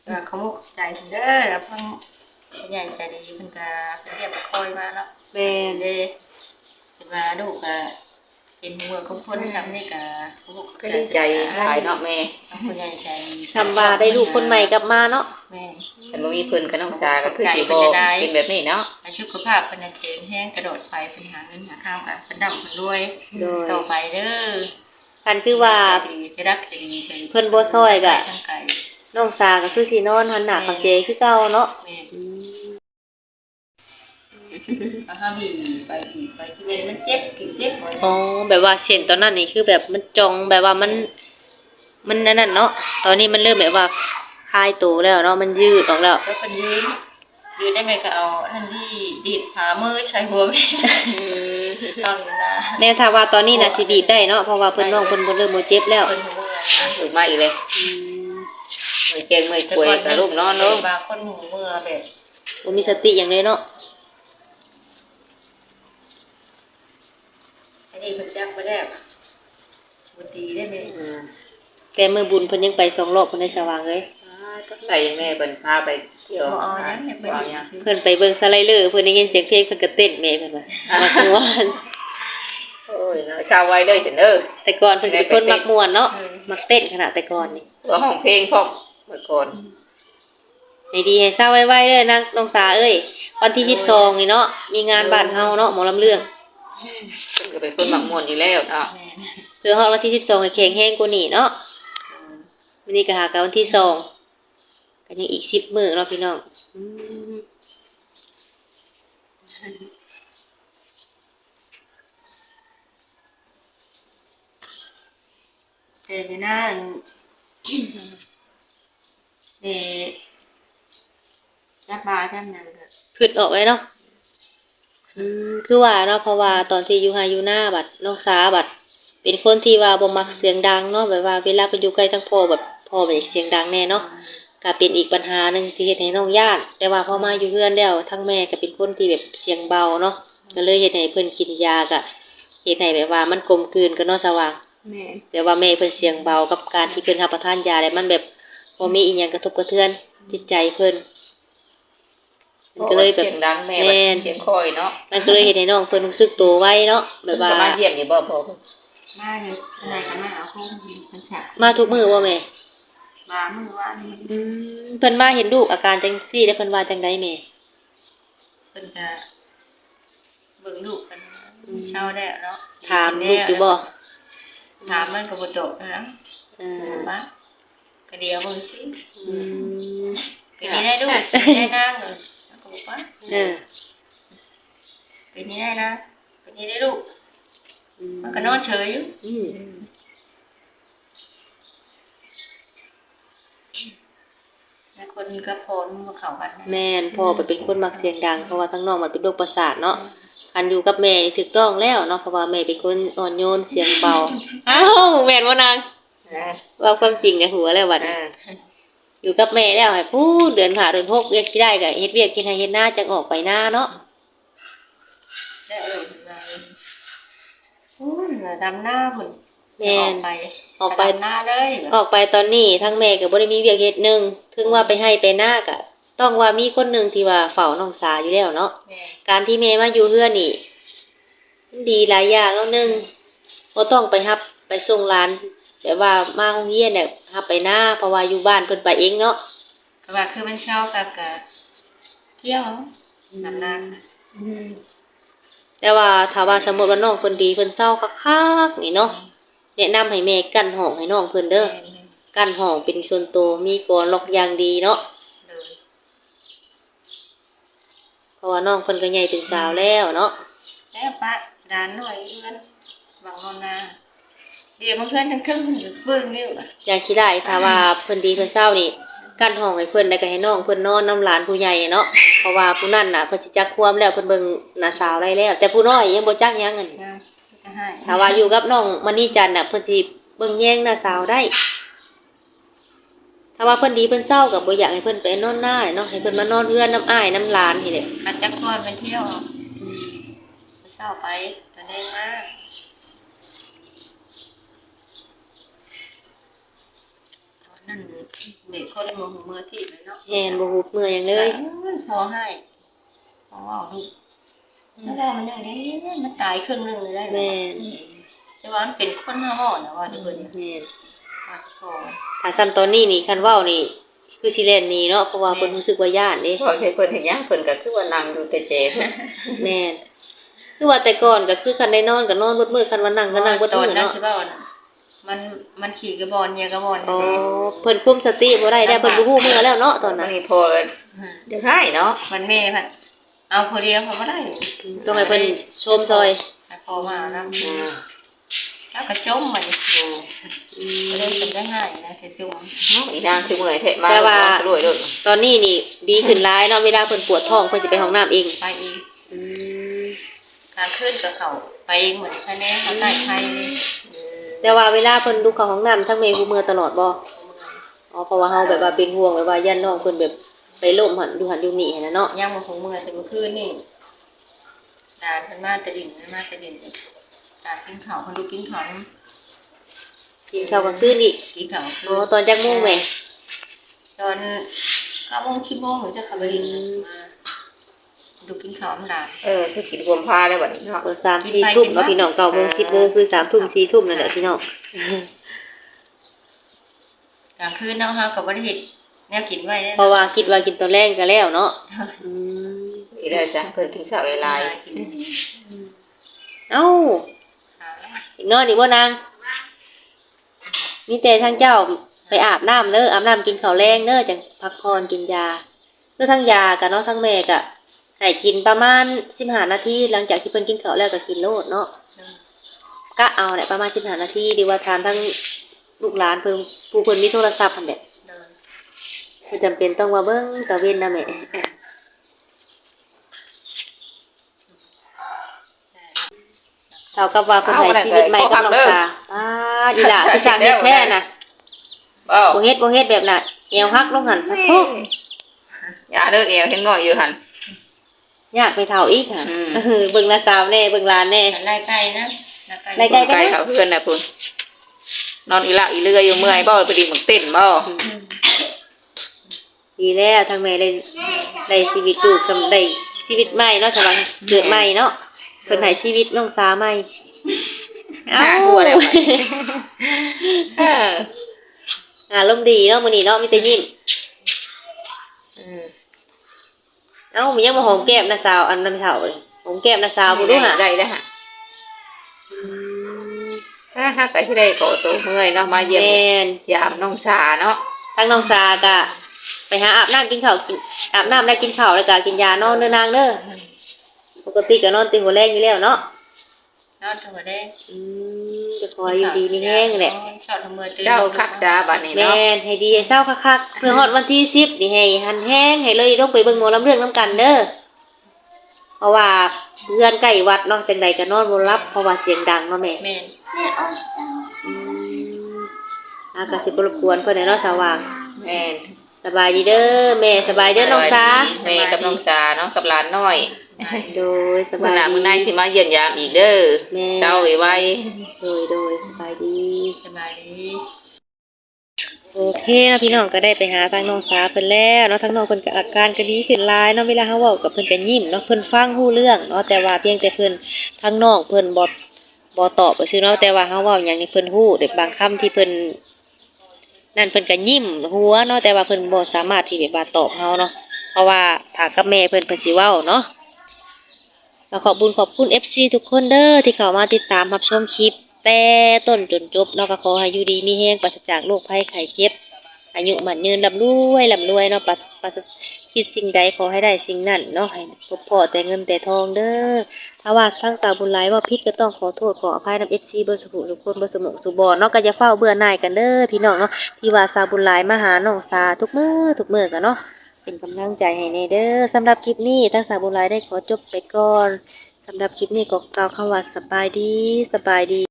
ก็ขอมุกใจเด้อแล้วเพิ่นใหญ่ใจดีเพิ่นก็เรียกคอยมาเนาะแม่นเด้สิว่าลูกก็เป็นเมืองของคนซ้ำนี่ก็ลูกก็ดีใจหลายเนาะแม่ผู้ใหญ่ใจซำว่าได้ลูกคนใหม่กลับมาเนาะแม่แต่บ่มีเพิ่นกับน้องสาก็คือสิบ่เป็นแบบนี้เนาะสุขภาพเพิ่นแข็งแรงกระโดดไปเพิ่นหาเงินหาข้าวก็เพิ่นร่ำเพิ่นรวยโดยต่อไปเด้อคันคือว่าจะรักจะดีเพิ่นบ่ซอยก็ทั้งไกลน้องสาก็คือสินอนหันหน้าปักเจคือเก่าเนาะแม่อืมถ้ามีไปชีวิตมันเจ็บเจ็บบ่อ๋อแบบว่าเส้นตอนนั้นนี่คือแบบมันจองแบบว่ามันนั่นเนาะตอนนี้มันเริ่มแบบว่าคลายตัวแล้วเนาะมันยืดออกแล้วแล้วเป็นยืนได้ไหมก็เอานั่นที่ดีดขามือใช้หัวแม่ต้องนะแม่ถ้าว่าตอนนี้น่ะสิบีบได้เนาะเพราะว่าเพิ่นน้องเพิ่นบ่เริ่มบ่เจ็บแล้วเป็นหัวถูกมาอีกเลยอืมมื้อเก่งมื้อป่วยกับลูกนอนเนาะบางคนหูเมื่อแบบบ่มีสติหยังเลยเนาะอันนี้เพิ่นจักบ่ได้บ่ตีได้ไหมแต่มื้อบุญเพิ่นยังไป2รอบเพิ่นได้สว่างเลยใส่แม่เพิ่นพาไปเที่ยวบ่เอาหยังเนี่ยเพิ่นบ่เอาหยังเพิ่นไปเบิ่งสไลเดอร์เพิ่นได้ยินเสียงเพลงเพิ่นก็เต้นแม่เพิ่นว่ามักม่วนโอ้ยเนาะชาวไว้เด้อฉันเด้อแต่ก่อนเพิ่นก็เป็นคนมักม่วนเนาะมักเต้นขนาดแต่ก่อนนี่ว่าห้องเพลงพร้อมเมื่อก่อนให้ดีให้เศร้าไว้ๆเด้อนางน้องสาเอ้ยวันที่22นี่เนาะมีงานบ้านเฮาเนาะหมอลำเรื่องเพิ่นก็เป็นคนมักม่วนอยู่แล้วเนาะแม่เพื่อฮอดวันที่12ให้แข็งแรงกว่านี้เนาะวันนี้ก็หากันวันที่2ก็ยังอีก10มื้อเนาะพี่น้องอืมแต่ในนั้นจับบาจับหยังก็ขึ้นออกไว้เนาะคือว่าเนาะเพราะว่าตอนที่อยู่ไห้อยู่หน้าบัดน้องสาบัดเป็นคนที่ว่าบ่มักเสียงดังเนาะแบบว่าเวลาไปอยู่ใกล้ทั้งพ่อแบบพ่อแบบเสียงดังแน่เนาะก็เป็นอีกปัญหาหนึงที่เฮ็ดให้น้องย้านแต่ว่าพอมาอยู่เรือนแล้วทั้งแม่ก็เป็นคนที่แบบเสียงเบาเนาะก็เลยเฮ็ดให้เพิ่นกินยาก็เฮ็ดให้แบบว่ามันกลมกลืนกันเนาะสว่างแม่แต่ว่าแม่เพิ่นเสียงเบากับการที่เพิ่นรับประทานยาแล้วมันแบบบ่มีอีหยังกระทบกระเทือนจิตใจเพิ่นมันก็เลยแบบเสียงดังแม่ว่าเสียงคอยเนาะมันก็เลยเฮ็ดให้น้องเพิ่นรู้สึกตัวไวเนาะแบบว่ามาเยี่ยมอยู่บ่พ่อเพิ่นมาอยู่ไหนก็มาเอาของเพิ่นฉะมาทุกมื้อบ่แม่มามื้อวานนี้เพิ่นมาเห็นลูกอาการจังซี่แล้วเพิ่นว่าจังไดแม่เพิ่นก็เบิ่งลูกกันเช้าแล้วเนาะถามลูกอยู่บ่ถามมันก็บ่ตอบนะอ่าว่าก็เดี๋ยวเบิ่งสิอืมเป็นนี่ได้ลูกได้นางเออแล้วก็บอกว่าเออเป็นนี่ได้นะเป็นนี่ได้ลูกมันก็นอนเฉยอยู่อืมแล้วคนก็พอมันเข้ากันนะแม่นพ่อไปเป็นคนมักเสียงดังเพราะว่าทั้งน้องมันเป็นโรคประสาทเนาะคันอยู่กับแม่นี่ถูกต้องแล้วเนาะเพราะว่าแม่เป็นคนอ่อนโยนเสียงเบาอ้าวแม่นบ่นาง ว่าความจริงในหัวแล้วบัดนี้อยู่กับแม่แล้วให้พูดเดือน5เดือน6เรียกสิได้ก็เฮ็ดเวียกกินให้เฮ็ดนาจังออกไปนาเนาะได้เออมาโอ้ยดำหน้าพุ่นแม่นออกไปดำหน้าเลยออกไปตอนนี้ทั้งแม่ก็บ่ได้มีเวียกเฮ็ดหนึงถึงว่าไปให้ไปนาก็ต้องว่ามีคนหนึงที่ว่าเฝ้าน้องสาอยู่แล้วเนาะแม่การที่แม่มาอยู่เฮือนนี่มันดีหลายอย่างแล้วหนึงบ่ต้องไปรับไปส่งหลานแบบว่ามาโรงเรียนเนี่ยรับไปนาเพราะว่าอยู่บ้านเพิ่นไปเองเนาะก็ว่าคือมันเช้าก็เที่ยวดำหน้าแต่ว่าถ้าว่าสมมุติว่าน้องเพิ่นดีเพิ่นเศร้าคักๆนี่เนาะแนะนำให้แม่กั้นห้องให้น้องเพิ่นเด้อกั้นห้องเป็นส่วนตัวมีกลอนล็อกอย่างดีเนาะเลยเพราะว่าน้องเพิ่นก็ใหญ่เป็นสาวแล้วเนาะแล้วปะร้านหน่อยเพื่อนบางนอนนาเดี๋ยวมันเพื่อนทั้งครึ่งเบิ่งอยู่อย่างที่ได้ถ้าว่าเพิ่นดีเพิ่นเศร้านี่กั้นห้องให้เพิ่นแล้วก็ให้น้องเพิ่นนอนนำหลานผู้ใหญ่เนาะเพราะว่าผู้นั้นน่ะเพิ่นสิจักความแล้วเพิ่นเบิ่งหน้าสาวได้แล้ว แต่ผู้น้อยยังบ่จักหยังอั่นนะจะให้ถ้าว่าอยู่กับน้องมณีจันทร์น่ะเพิ่นสิเบิ่งแย่งหน้าสาวได้ ถ้าว่าเพิ่นดีเพิ่นเศร้าก็บ่อยากให้เพิ่นไปนอนหน้าเนาะให้เพิ่นมานอนเรือนน้ำอ้ายน้ำหลานนี่แหละอาจจะควรไปเที่ยวเช้าไปตอนนี้มานั่นเด็กคนบ่ฮู้มือที่เลยเนาะแม่นบ่ฮู้เมื่อหยังเลยพอให้พอว่าลูกแล้วมันยังไงมันตายครึ่งนึงเลยได้แม่นแต่ว่ามันเป็นคนห้าห่อนะว่าทุกคนแม่นว่าพอถ้าซ้ำตอนนี้นี่คันเว้านี่คือสิเล่นหนี่เนาะเพราะว่าเพิ่นรู้สึกว่าย้านเด้พอใช้เพิ่นเฮ็ดหยังเพิ่นก็คือว่านั่งอยู่แต่เจ็บแม่นคือว่าแต่ก่อนก็คือคันได้นอนก็นอนเบิดมื้อคันว่านั่งก็นั่งเบิดตอมื้นอนั้นเนาะสิว่าน่ะมันขี่กระบอนเนี่ยกระบอนอ๋อเพิ่นคุมสติบ่ได้ได้เพิ่นบ่ฮู้มื้อแล้วเนาะตอนมันั้น นนี่พอจะให้เนาะมันแม่พัดเอาคนเดียวเขาบ่ได้ต้องให้เพิ่นชมซอยพอมาแล้วแล้วก็จมมันอืก็เลยมเป็นได้ง่ายนะจะจมอีนางคือเมื่อยแท้มาแต่ว่ารวยโดดตอนนี้นี่ดีขึ้นหลายเนาะเวลาเพิ่นปวดท้องเพิ่นสิไปห้องน้ำเองไปเองอืมกลางคืนกับเขาไปเองเหมือนคะแนนเขาใต้ไทยเลยแต่ว่าเวลาเพิ่นดูเข้าห้องน้ำทั้งแม่ผู้มือตลอดบ่อ๋อเพราะว่าเฮาแบบว่าเป็นห่วงแบบว่าย่านน้องเพิ่นแบบไปล้มหันอยู่นี่หั่นน่ะเนาะย่างมาของเมื่อแต่เมื่อคืนนี่ดานเพิ่นมาแต่ดินมาแต่ดินดานกินข้าวเพิ่นดูกินข้าวกินข้าวกลางคืนอีกกินข้าวอ๋อตอนจักโมงแม่ตอน9 โมง 10 โมงหรือจะขับไปดินมาดูกินข้าวน้ำดานคือกินรวมพาได้บัดนี้เนาะตอน3-4 ทุ่มเนาะพี่น้อง9 โมง 10 โมงคือ3 ทุ่ม 4 ทุ่มนั่นแหละพี่น้องกลางคืนเนาะเฮาก็บ่ได้เฮ็ดแนวกินไว้เด้เพราะว่าคิดว่ากินตอนแรกก็แล้วเนาะอืมอีได้จ้ะเพิ่นกินข้าวหลายกินเอ้าข้าวแล้วอีกนอนอีกบ่นางมีแต่ทางเจ้าไปอาบน้ำเด้ออาบน้ำกินข้าวแรงเด้อจังพักผ่อนกินยาคือทั้งยากับเนาะทั้งแม่ก็ให้กินประมาณ15 นาทีหลังจากที่เพิ่นกินข้าวแล้วก็กินโลดเนาะก็เอาแหละประมาณ15 นาทีดีว่าทานทั้งลูกหลานเพิ่นผู้เพิ่นมีโทรศัพท์หั่นแหละเดินบ่จำเป็นต้องมาเบิ่งตะเว้นนะแม่เท่ากับว่าเพิ่นให้ชีวิตใหม่กับน้องสาอีหล่าที่สร้างเฮ็ดแท้น่ะๆบ่บ่เฮ็ดแบบน่ะเอวหักลงหั่นพะโทษอย่าเด้อเอวเห็นน้อยอยู่หั่นยากไปเท่าอีกค่ะอืมเบิ่งน้าสาวแน่เบิ่งหลานแน่ไล่ไก่นะไล่ไก่ไกลเขาเพื่อนน่ะพุ่นนอนอีหละอีเรืออยู่เมื่อยบ่พอดีมันเต้นบ่ดีแล้วทางแม่ได้ชีวิตลูกทำได้ชีวิตใหม่เนาะสำหรับเกิดใหม่เนาะเพิ่นให้ชีวิตน้องสาวใหม่หน้าหัวแล้วเอออารมณ์ดีเนาะมื้อนี้เนาะมีแต่ยิ้ม เอ้ามันยังมาหอมแก้มน้าสาวอันนั้นเฒ่าเลยหอมแก้มน้าสาวบ่รู้หะได้ได้ฮะถ้าก็สิได้ขอตัวเมื่อยเนาะมาเยี่ยมแม่นยามน้องชาเนาะทางน้องสาก็ไปหาอาบน้ำกินข้าวกินอาบน้ำแล้วกินข้าวแล้วก็กินยานอนเด้อนางเด้อปกติก็นอนตีหัวแรงอยู่แล้วเนาะนอนถึงได้จะคอยอยู่ดีมีแห้งแหละชอบทำมือตื่นเจ้าคักจ้าบัดนี้แม่เนาะนให้ดีให้เศร้าคักๆเพื่อฮอดวันที่10นี่ให้หันแห้งให้เลยต้องไปเบิ่งหมอลำเรื่องนํกันเด้อเพราะว่าเพื่อนใกล้วัดเนาะจังใดก็นอนบ่หลับเพราะว่าเสียงดังเนาะแม่แม่นก็สิบ่รบกวนเพิ่นให้เนาะสว่างแม่นสบายดีเด้อแม่สบายเด้อน้องสาแม่กับน้องชาเนาะกับหลานน้อยโดยสมื้บาอย หน้าดีมื้อในสิมาเยี่ยมยามอีกเด้อแม่เจ้าไว้โดยสบายดีสบายดีโอเคเนาะพี่น้องก็ได้ไปหาทางน้องสาเพิ่นแล้วเนาะทางน้องเพิ่นก็อาการก็ดีขึ้นหลายเนาะเวลาเฮาเว้ากับเพิ่นก็ยิ้มเนาะเพิ่นฟังรู้เรื่องเนาะแต่ว่าเพียงแต่เพิ่นทางน้องเพิ่นบ่ตอบซื่อเนาะแต่ว่าเฮาเว้าหยังนี่เพิ่นรู้แต่บางคำที่เพิ่นนั่นเพิ่นก็ยิ้มหัวเนาะแต่ว่าเพิ่นบ่สามารถที่จะว่าตอบเฮาเนาะเพราะว่าถ้ากับแม่เพิ่นสิเว้าเนาะก็ขอบคุณ FC ทุกคนเด้อที่เข้ามาติดตามรับชมคลิปแต่ต้นจนจบเนาะก็ขอให้อยู่ดีมีแรงปราศจากโรคภัยไข้เจ็บ อายุมั่นยืนร่ำรวยเนาะปัสคิดสิ่งใดขอให้ได้สิ่งนั้นเนาะให้พบพอแต่เงินแต่ทองเด้อถ้าว่าทั้งสาวบุญหลายว่าผิดก็ต้องขอโทษขออภัยนำ FC เบอร์สุขุทุกคนเบอร์สมองสุบอเนาะก็จะเฝ้าเบื่อหน่ายกันเด้อพี่น้องเนาะที่ว่าสาวบุญหลายมาหาน้องสาทุกมื้อกันเนาะเป็นกำลังใจให้ในเด้อสำหรับคลิปนี้ทั้งสาวบุญหลายได้ขอจบไปก่อนสำหรับคลิปนี้ก็กล่าวคำว่าสบายดี